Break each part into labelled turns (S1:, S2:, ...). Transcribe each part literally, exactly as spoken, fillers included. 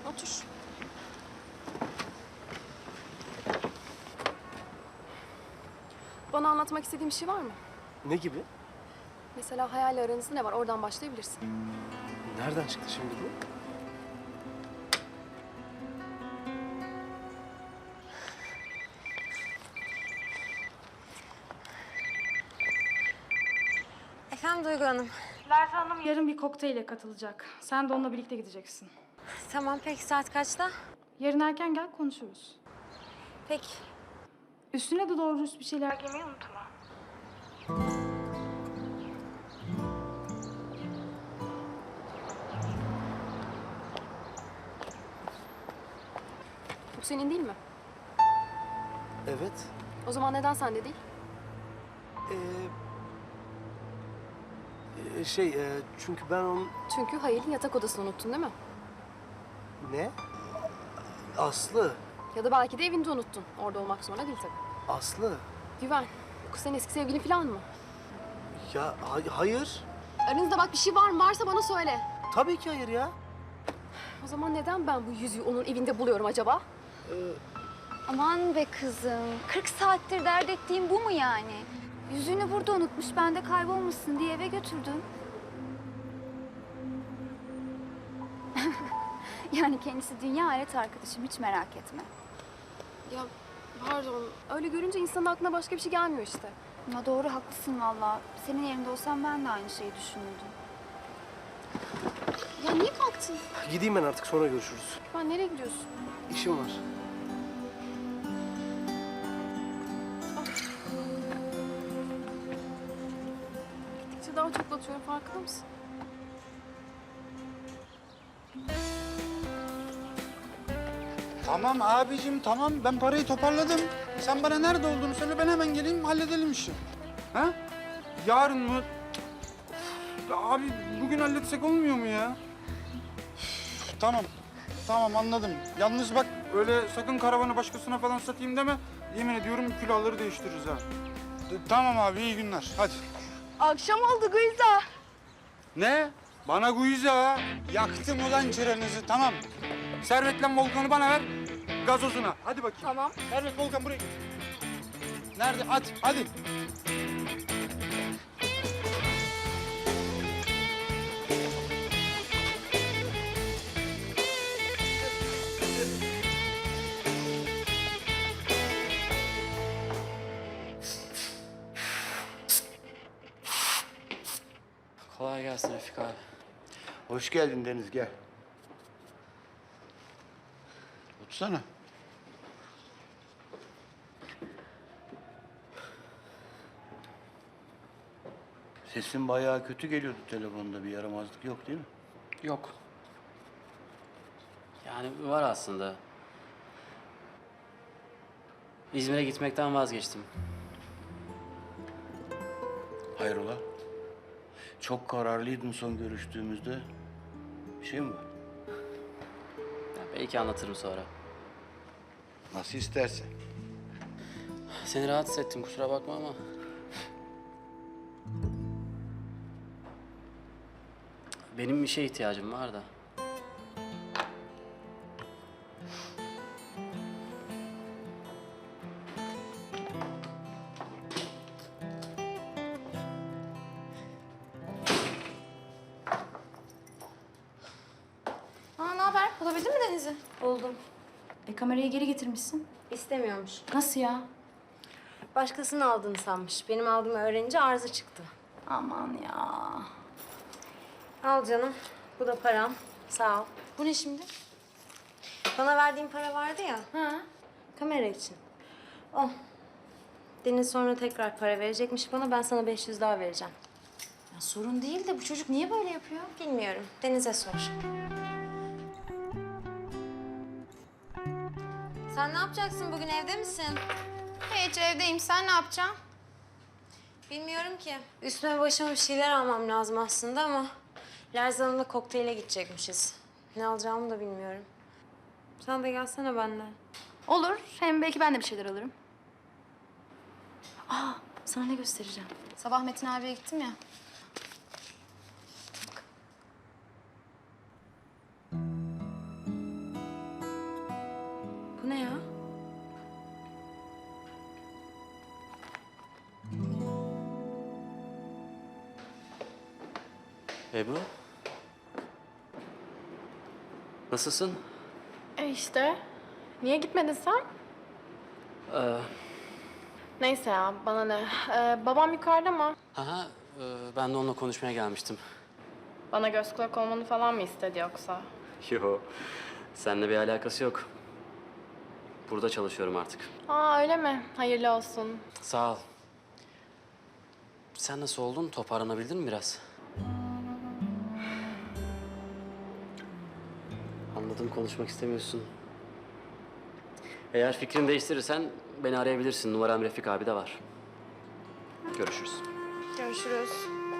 S1: Otur. Bana anlatmak istediğin bir şey var mı?
S2: Ne gibi?
S1: Mesela hayalle aranızda ne var? Oradan başlayabilirsin.
S2: Nereden çıktı şimdi bu?
S3: Efendim Duygu Hanım.
S4: Lerza Hanım yarın bir kokteyle katılacak. Sen de onunla birlikte gideceksin.
S3: Tamam peki saat kaçta?
S4: Yarın erken gel konuşuruz.
S3: Peki.
S4: Üstüne de doğru dürüst bir şeyler giymeyi unutma.
S1: Bu senin değil mi?
S2: Evet.
S1: O zaman neden sende değil?
S2: Ee, e, şey, e, çünkü ben onun...
S1: Çünkü Hayal'in yatak odasını unuttun değil mi?
S2: Ne? Aslı.
S1: Ya da belki de evinde unuttun. Orada olmak zorunda değil tabii.
S2: Aslı.
S1: Güven, bu kız senin eski sevgilin falan mı?
S2: Ya hay- hayır.
S1: Aranızda bak bir şey var mı? Varsa bana söyle.
S2: Tabii ki hayır ya.
S1: O zaman neden ben bu yüzüğü onun evinde buluyorum acaba?
S2: Ee,
S5: Aman be kızım, kırk saattir dert ettiğim bu mu yani? Yüzüğünü burada unutmuş, ben de kaybolmasın diye eve götürdüm. Yani kendisi dünya alet arkadaşım, hiç merak etme.
S1: Ya pardon, öyle görünce insanın aklına başka bir şey gelmiyor işte.
S5: Ama doğru, haklısın vallahi. Senin yerinde olsam ben de aynı şeyi düşünürdüm.
S1: Ya niye kalktın?
S2: gideyim ben artık, sonra görüşürüz.
S1: Ben nereye gidiyorsun?
S2: İşim var.
S1: Gittikçe daha çok batıyorum, farkında mısın?
S6: Tamam abicim tamam ben parayı toparladım. Sen bana nerede olduğunu söyle ben hemen geleyim halledelim işi. Ha? Yarın mı? Ya abi bugün halletsek olmuyor mu ya? Tamam. Tamam anladım. Yalnız bak öyle sakın karavanı başkasına falan satayım deme. Yemin ediyorum külahları değiştiririz ha. De- Tamam abi iyi günler hadi.
S4: Akşam oldu Gülza.
S6: Ne? Bana guiza ha. Yaktım ulan çıranızı tamam. Servetle Volkan'ı bana ver. Gazozuna. Hadi bakayım.
S1: Tamam.
S6: Servet Volkan buraya git. Nerede? Hadi, hadi.
S7: Kolay gelsin Refik abi.
S8: Hoş geldin Deniz, gel.
S6: Otursana.
S8: Sesin bayağı kötü geliyordu telefonda, bir yaramazlık yok değil mi?
S7: Yok. Yani var aslında. İzmir'e gitmekten vazgeçtim.
S8: Hayrola? Çok kararlıydın son görüştüğümüzde. Bir şey mi var?
S7: Ya belki anlatırım sonra.
S8: Nasıl istersen.
S7: Seni rahatsız ettim, kusura bakma ama. Benim bir şeye ihtiyacım var da.
S4: Aa, ne haber? Bulabildin mi Deniz'i?
S3: Buldum.
S4: E kamerayı geri getirmişsin.
S3: İstemiyormuş.
S4: Nasıl ya?
S3: Başkasının aldığını sanmış. Benim aldığımı öğrenince arıza çıktı.
S4: Aman ya.
S3: Al canım. Bu da param. Sağ ol.
S4: Bu ne şimdi?
S3: Bana verdiğin para vardı ya.
S4: Ha?
S3: Kamera için. O. Deniz sonra tekrar para verecekmiş bana. Ben sana beş yüz daha vereceğim.
S4: Ya sorun değil de bu çocuk niye böyle yapıyor?
S3: Bilmiyorum. Deniz'e sor. Sen ne yapacaksın bugün? Evde misin?
S4: Hiç evdeyim. Sen ne yapacaksın?
S3: Bilmiyorum ki. Üstüme başıma bir şeyler almam lazım aslında ama... Lerza Hanım'la kokteyle gidecekmişiz. Ne alacağımı da bilmiyorum. Sen de gelsene benimle.
S4: Olur. Hem belki ben de bir şeyler alırım. Aa, sana ne göstereceğim? Sabah Metin abiye gittim ya.
S7: Ebru? Nasılsın?
S1: E işte. Niye gitmedin sen?
S7: Ee,
S1: Neyse ya bana ne. Ee, babam yukarıda mı?
S7: aha, e, ben de onunla konuşmaya gelmiştim.
S1: Bana göz kulak olmanı falan mı istedi yoksa?
S7: Yo, seninle bir alakası yok. Burada çalışıyorum artık.
S1: Aa öyle mi? Hayırlı olsun.
S7: Sağ ol. Sen nasıl oldun? Toparlanabildin mi biraz? Anladım, konuşmak istemiyorsun. Eğer fikrini değiştirirsen beni arayabilirsin. Numaram Refik abi de var. Görüşürüz.
S1: Görüşürüz.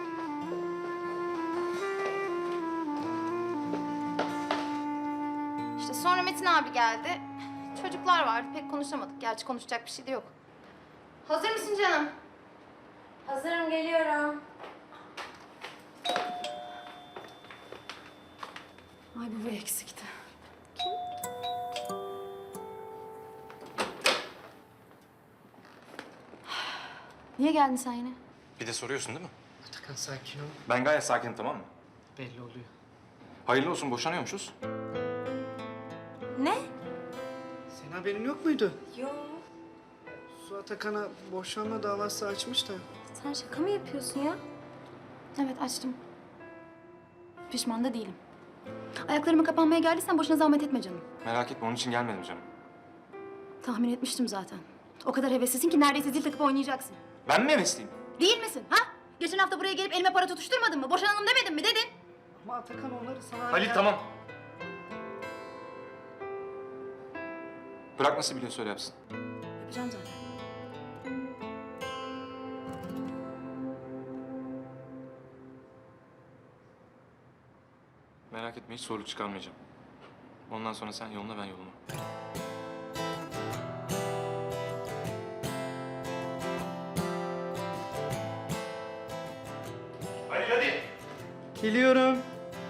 S5: İşte sonra Metin abi geldi. Çocuklar vardı pek konuşamadık. Gerçi konuşacak bir şey de yok. Hazır mısın canım?
S3: Hazırım, geliyorum.
S4: Ay bu bu eksikti. Niye geldin sen yine?
S9: Bir de soruyorsun değil mi?
S2: Atakan sakin ol.
S9: Ben gayet sakinim, tamam mı?
S2: Belli oluyor.
S9: Hayırlı olsun, boşanıyormuşuz.
S3: Ne?
S2: Senin haberin yok muydu?
S3: Yok.
S2: Su Atakan'a boşanma davası açmış da.
S3: Sen şaka mı yapıyorsun ya?
S4: Evet açtım. Pişman da değilim. Ayaklarıma kapanmaya geldiysen boşuna zahmet etme canım.
S9: Merak etme, onun için gelmedim canım.
S4: Tahmin etmiştim zaten. O kadar heveslisin ki neredeyse zil takıp oynayacaksın.
S9: Ben mi hevesliyim?
S4: Değil misin ha? Geçen hafta buraya gelip elime para tutuşturmadın mı? Boşanalım demedin mi? Dedin.
S2: Ama Atakan onları sana...
S9: Halil tamam. Bırak nasıl biliyorsa öyle yapsın.
S4: Yapacağım zaten.
S9: Merak etme, hiç zorluk çıkarmayacağım. Ondan sonra sen yoluna, ben yoluma. Halil hadi.
S2: Geliyorum.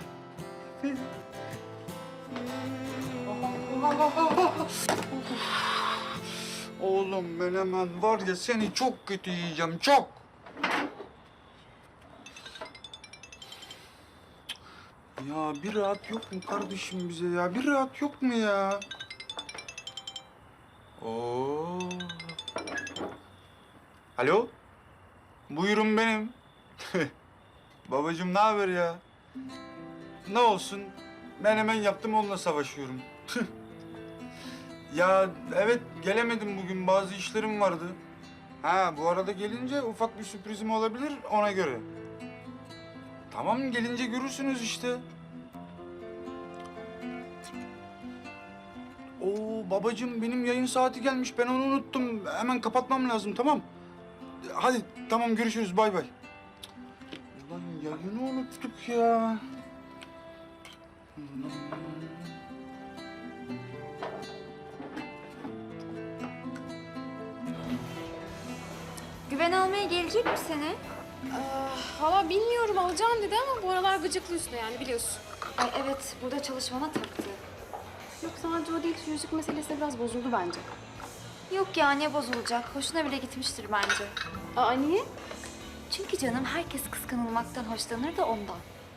S6: Oğlum ben hemen var ya seni çok kötü yiyeceğim, çok. Ya bir rahat yok mu kardeşim bize ya? Bir rahat yok mu ya? Oo. Alo? Buyurun benim. Babacığım ne haber ya? Ne olsun? Ben hemen yaptım onunla savaşıyorum. Ya evet gelemedim bugün, bazı işlerim vardı. Ha bu arada gelince ufak bir sürprizim olabilir ona göre. Tamam gelince görürsünüz işte. Oo babacığım benim yayın saati gelmiş, ben onu unuttum. Hemen kapatmam lazım, tamam. Hadi tamam görüşürüz, bay bay. Ulan yayını unuttuk ya.
S5: Güven almaya gelecek mi seni?
S1: Valla bilmiyorum alacağım dedi ama bu aralar gıcıklı üstüne yani biliyorsun.
S5: Ay evet burada çalışmana taktı.
S1: Yok sadece o değil şu yüzük meselesi de biraz bozuldu bence.
S5: Yok ya ne bozulacak? Hoşuna bile gitmiştir bence.
S1: Aa niye?
S5: Çünkü canım herkes kıskanılmaktan hoşlanır da ondan.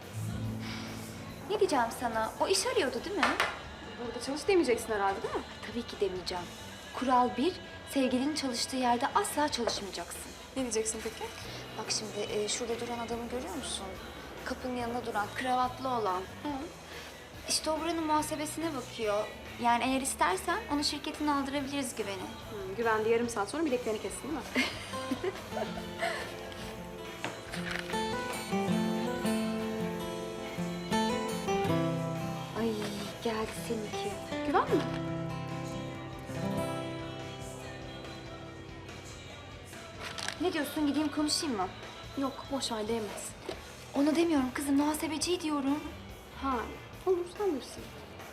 S5: Ne diyeceğim sana? O iş arıyordu değil mi?
S1: Burada çalış demeyeceksin herhalde değil mi?
S5: Tabii ki demeyeceğim. Kural bir, sevgilinin çalıştığı yerde asla çalışmayacaksın.
S1: Ne diyeceksin peki?
S5: Bak şimdi e, şurada duran adamı görüyor musun? Kapının yanında duran, kravatlı olan.
S1: Hı.
S5: İşte o buranın muhasebesine bakıyor. Yani eğer istersen onu şirketine aldırabiliriz Güven'i.
S1: Hı, güvende yarım saat sonra bileklerini kessin değil mi?
S5: Ay geldi seninki.
S1: Güven mi?
S5: Ne diyorsun, gideyim konuşayım mı?
S1: Yok boş ver değmez.
S5: Onu demiyorum kızım, muhasebeciyi diyorum.
S1: Ha olur sen bilirsin.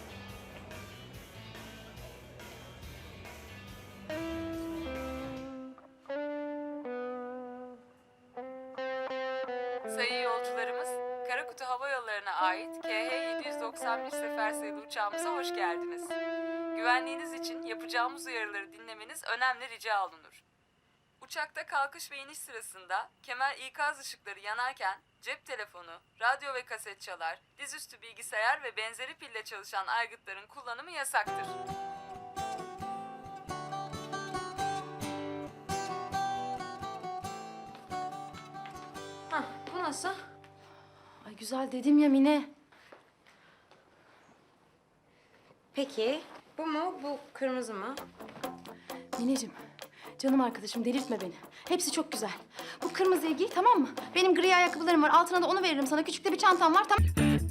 S10: Sayın yolcularımız, Karakutu Hava Yolları'na ait K H yedi yüz doksan bir sefer sayılı uçağımıza hoş geldiniz. Güvenliğiniz için yapacağımız uyarıları dinlemeniz önemli rica olunur. Uçakta kalkış ve iniş sırasında kemer ikaz ışıkları yanarken cep telefonu, radyo ve kaset çalar, dizüstü bilgisayar ve benzeri pille çalışan aygıtların kullanımı yasaktır.
S3: Hah, bu nasıl?
S4: Ay güzel dedim ya Mine.
S3: Peki, bu mu, bu kırmızı mı?
S4: Mineciğim, canım arkadaşım delirtme beni. Hepsi çok güzel. Bu kırmızıyı giy tamam mı? Benim gri ayakkabılarım var. Altına da onu veririm sana. Küçük de bir çantam var tamam.